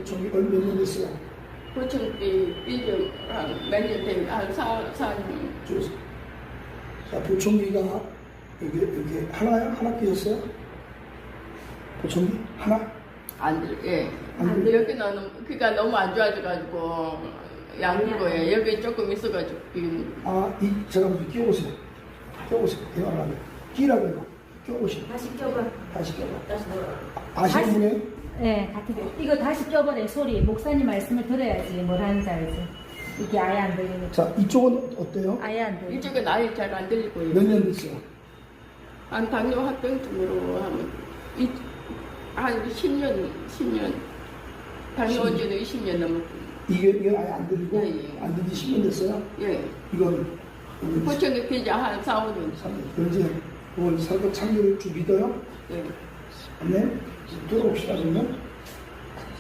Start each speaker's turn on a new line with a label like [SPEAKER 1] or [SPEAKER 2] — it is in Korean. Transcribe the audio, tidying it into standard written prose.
[SPEAKER 1] 보청기 몇 년 됐어요?
[SPEAKER 2] 보청기 삐좀 몇년 된, 한 4년.
[SPEAKER 1] 자, 보청기가 이렇게 하나 끼었어요? 보청기? 하나?
[SPEAKER 2] 안 들, 예.
[SPEAKER 1] 안 들-
[SPEAKER 2] 여기는 귀가 너무 안 좋아져가지고, 양거에 여기 조금 있어가지고, 지금.
[SPEAKER 1] 제가 먼저 끼워보세요. 끼워보세요. 대화를 하면. 끼라고 해요. 끼워보세요.
[SPEAKER 3] 다시 껴봐.
[SPEAKER 1] 다시 끼워봐.
[SPEAKER 3] 다시 넣어.
[SPEAKER 1] 아시는 분이에요?
[SPEAKER 3] 네, 같은 거. 이거 다시 껴버려, 소리. 목사님 말씀을 들어야지 뭘 하는지 알지. 이게 아예 안 들리니까.
[SPEAKER 1] 자, 이쪽은 어때요?
[SPEAKER 3] 아예 안 들려.
[SPEAKER 2] 이쪽은 아예 잘 안 들리고요.
[SPEAKER 1] 몇 년 됐어요?
[SPEAKER 2] 한 당뇨 합병증으로 하면, 한 10년. 당뇨 온 지는 20년 넘었고.
[SPEAKER 1] 이게 아예 안 들리고,
[SPEAKER 2] 예, 예.
[SPEAKER 1] 안 들리 10년 됐어요?
[SPEAKER 2] 예.
[SPEAKER 1] 이건,
[SPEAKER 2] 보청기 피자 한 4, 5년.
[SPEAKER 1] 그럼 이제, 오늘 설교 참여를 좀 믿어요?
[SPEAKER 2] 예.
[SPEAKER 1] 네? 들어봅시다, 그러면.